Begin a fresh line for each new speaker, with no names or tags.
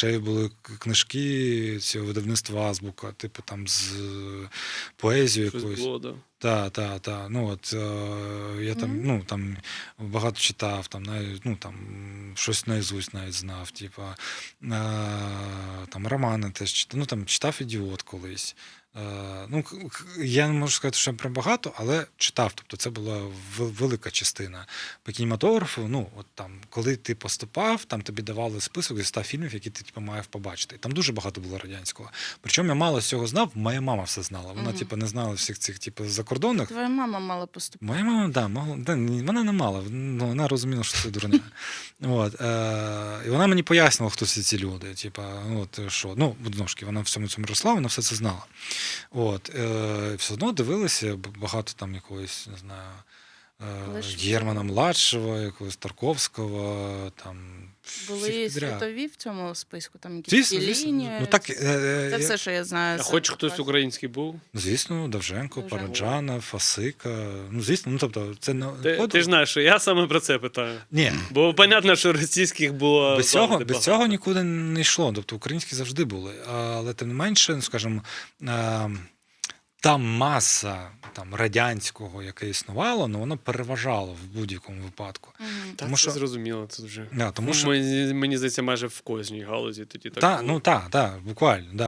дешеві були книжки цього видавництва «Азбука», типу там з поезією
Щось
якоюсь.
було, да.
Так. Ну, от, я там, ну, там багато читав, там, ну, там, щось наизусть навіть знав, типа, там, романи теж читав, ну, там, читав «Ідіот» колись. Ну, я не можу сказати, що прям багато, але читав. Тобто це була велика частина. По кінематографу, ну, от там, коли ти поступав, там тобі давали список зі 100 фільмів, які ти типу, маєш побачити. І там дуже багато було радянського. Причому я мало з цього знав, моя мама все знала. Вона, типу, не знала всіх цих, типу, закордонних.
Твоя мама мала поступити.
Моя мама, да, могла, вона не мала, вона розуміла, що це дурня. От, і вона мені пояснила, хто всі ці люди. Типа, от, що, ну, знову ж таки, вона в цьому росла, вона все це знала. От, все одно дивилися багато там якогось, не знаю, Германа Младшого, якогось Тарковського, там,
Були
всіх підряд.
світові в цьому списку, там якісь лінії.
Ну, так,
Це все, що я знаю.
А хоч хтось український був?
Звісно, Довженко, Параджанов, Фасика. Ну, звісно, ну, тобто, це не...
Ти ж знаєш, що я саме про це питаю.
Ні.
Бо, понятно, що російських було
Без цього нікуди не йшло. Тобто українські завжди були. Але тим не менше, ну, скажімо, та маса там, радянського, яке існувало, ну, воно переважало в будь-якому випадку.
Тому що зрозуміло, це вже.
Тому що...
Мені здається, майже в кожній галузі тоді так.
Так, ну так, буквально. Да.